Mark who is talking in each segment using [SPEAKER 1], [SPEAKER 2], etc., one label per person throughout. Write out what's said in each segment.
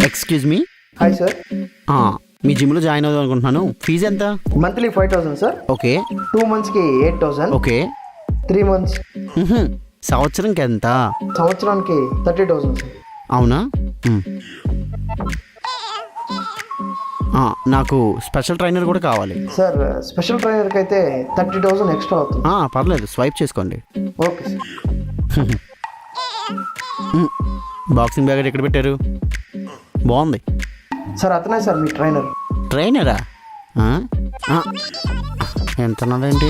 [SPEAKER 1] Excuse me.
[SPEAKER 2] Hi sir.
[SPEAKER 1] మీ జిమ్లో join అవుదాం అనుకుంటున్నాను. ఫీజు ఎంత?
[SPEAKER 2] Monthly 5,000 sir.
[SPEAKER 1] ఓకే.
[SPEAKER 2] 2 monthsకి 8,000.
[SPEAKER 1] ఓకే.
[SPEAKER 2] 3 months.
[SPEAKER 1] సంవత్సరంకి ఎంత?
[SPEAKER 2] సంవత్సరానికి 30,000 సార్.
[SPEAKER 1] అవునా? నాకు స్పెషల్ ట్రైనర్ కూడా కావాలి
[SPEAKER 2] సార్. స్పెషల్ ట్రైనర్కి అయితే 30,000 ఎక్స్ట్రా అవుతుంది.
[SPEAKER 1] పర్లేదు, స్వైప్ చేసుకోండి.
[SPEAKER 2] Okay sir.
[SPEAKER 1] బాక్సింగ్ బ్యాగ్ ఎక్కడ పెట్టారు? బాగుంది
[SPEAKER 2] సార్. అతనే సార్ మీ ట్రైనర్.
[SPEAKER 1] ట్రైనరా? ఎంత ఉన్నదేంటి?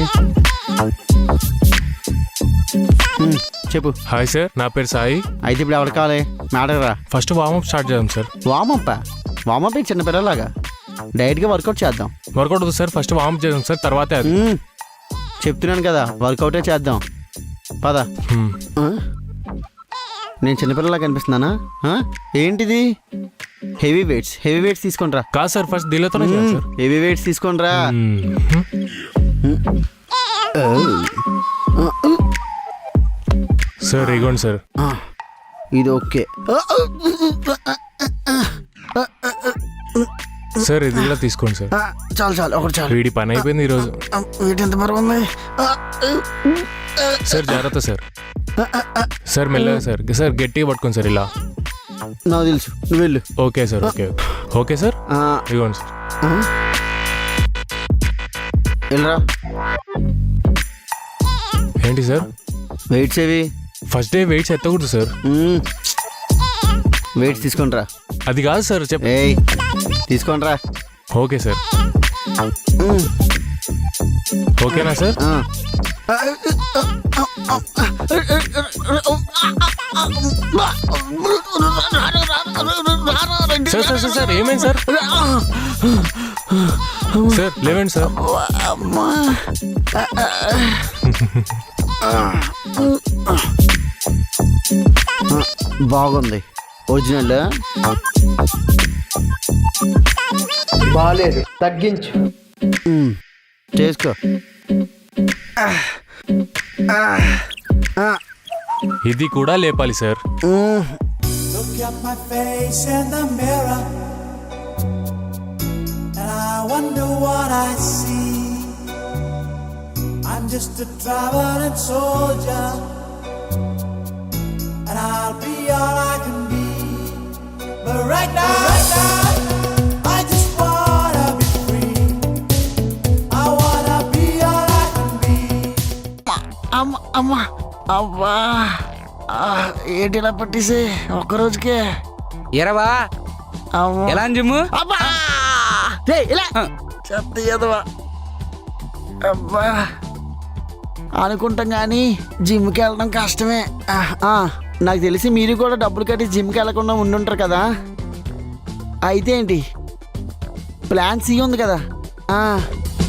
[SPEAKER 1] చెప్పు.
[SPEAKER 3] హాయ్ సార్, నా పేరు సాయి.
[SPEAKER 1] అయితే ఇప్పుడు ఎవరు కావాలి? మ్యాడరా.
[SPEAKER 3] ఫస్ట్ వార్మప్ స్టార్ట్ చేద్దాం సార్.
[SPEAKER 1] వామప్ చిన్నపిల్లలాగా డైరెక్ట్గా వర్కౌట్ చేద్దాం.
[SPEAKER 3] వర్కౌట్ అవుతుంది సార్. ఫస్ట్ వార్మప్ చేద్దాం సార్, తర్వాతే అది.
[SPEAKER 1] చెప్తున్నాను కదా, వర్కౌటే చేద్దాం. పద. నేను చిన్నపిల్లలా కనిపిస్తున్నానా? ఏంటిది? హెవీ వెయిట్స్ తీసుకుంట్రా.
[SPEAKER 3] కాదు సార్, ఫస్ట్ దీనితోనే చేయాలి సార్.
[SPEAKER 1] హెవీ వెయిట్స్ తీసుకుంట్రా.
[SPEAKER 3] సార్ ఇగోండి సార్.
[SPEAKER 1] ఇది ఓకే
[SPEAKER 3] సార్, ఇది కూడా తీసుకోండి సార్.
[SPEAKER 1] చాలు ఒకటి చాలు.
[SPEAKER 3] వీడి పని అయిపోయింది ఈరోజు.
[SPEAKER 1] వీటి ఎంత బరువు ఉంది?
[SPEAKER 3] సార్ జాగ్రత్త సార్. సార్ మెల్లగా సార్. సార్ గట్టిగా పట్టుకోండి సార్. ఇలా
[SPEAKER 1] నాకు తెలుసు, నువ్వు వెళ్ళు.
[SPEAKER 3] Okay sir. Okay sir. ఇగోండి సార్.
[SPEAKER 1] వెళ్ళరా.
[SPEAKER 3] ఏంటి సార్?
[SPEAKER 1] వెయిట్స్ ఏవి?
[SPEAKER 3] ఫస్ట్ డే వెయిట్స్ ఎత్తకూడదు సార్.
[SPEAKER 1] వెయిట్స్ తీసుకుంట్రా.
[SPEAKER 3] అది కాదు సార్,
[SPEAKER 1] తీసుకుంట్రా.
[SPEAKER 3] Okay sir. ఓకేనా సార్? సార్ సార్ ఏమైంది సార్? సార్ లేవండి సార్.
[SPEAKER 1] బాగుంది. ఒరిజినల్
[SPEAKER 2] బాలేదు, తగ్గించు.
[SPEAKER 1] చేసుకో.
[SPEAKER 3] ఇది కూడా లేపాలి sir.
[SPEAKER 4] Look at my face in the mirror, and I wonder what I see. I'm just a traveling soldier, and I'll be all I can be. But right now, I just wanna be free. I wanna be all I can be.
[SPEAKER 1] అవ్వా, ఏంటి ఇలా పట్టేసి ఒక్కరోజుకే?
[SPEAKER 5] ఎరవా ఎలా gym?
[SPEAKER 1] చెత్త ఎదవా. అబ్బా, అనుకుంటాం కానీ జిమ్కి వెళ్ళడం కష్టమే. నాకు తెలిసి మీరు కూడా డబ్బులు కట్టి జిమ్కి వెళ్ళకుండా ఉండుంటారు కదా. అయితే ఏంటి ప్లాన్ సి ఉంది కదా.